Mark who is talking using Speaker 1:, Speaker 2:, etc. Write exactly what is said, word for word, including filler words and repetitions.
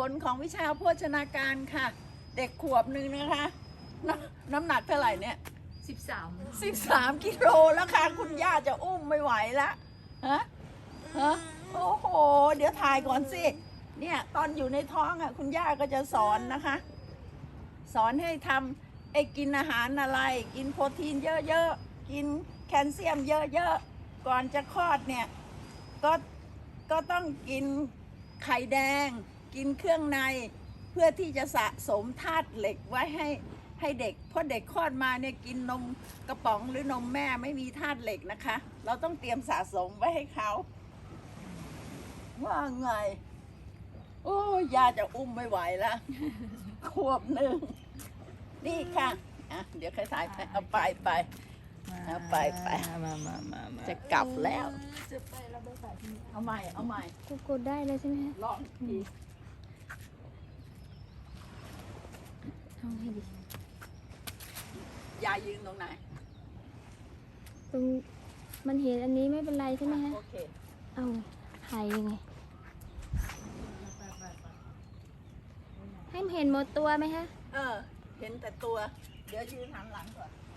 Speaker 1: ลของวิชาโภชนาการค่ะ เด็กขวบหนึ่งนะคะนน้ำหนักเท่าไหร่เนี่ย
Speaker 2: สิบสาม
Speaker 1: สิบสามกิโลแล้วค่ะ คุณย่าจะอุ้มไม่ไหวละฮะฮะโอ้โห เดี๋ยวถ่ายก่อนสิ เนี่ยตอนอยู่ในท้องอ่ะ คุณย่าก็จะสอนนะคะ สอนให้ทำไอ้กินอาหารอะไร กินโปรตีนเยอะๆ กินแคลเซียมเยอะๆ ก่อนจะคลอดเนี่ย ก็ก็ต้องกินไข่แดง กินเครื่องในเพื่อที่จะสะสมธาตุเหล็กไว้ให้ให้เด็กเพราะเด็กคลอดมาเนี่ยกินนมกระป๋องหรือนมแม่ไม่มีธาตุเหล็กนะคะ เราต้องเตรียมสะสมไว้ให้เขาว่าไง โอ้ยาจะอุ้มไม่ไหวแล้ว ขวบหนึ่งนี่ค่ะอ่ะ เดี๋ยวใครถ่ายไปเอาไปไปเอาไปไปมามามามาจะกลับแล้ว
Speaker 2: จะไปเราไปถ่ายที่นี่
Speaker 1: เอาใหม่เอาใหม่
Speaker 3: กดกดได้เลยใช่ไหมคะ
Speaker 1: ลองอีกที
Speaker 3: ทำให้ดี
Speaker 1: ยายยืนตรงไหน
Speaker 3: ตรงมันเห็นอันนี้ไม่เป็นไรใช่ไหมคะ
Speaker 1: โอเค
Speaker 3: เอาถ่ายยังไง ให้มันเห็นหมดตัวไหมคะ
Speaker 1: เออ เห็นแต่ตัว เดี๋ยวยืนหันหลังก่อน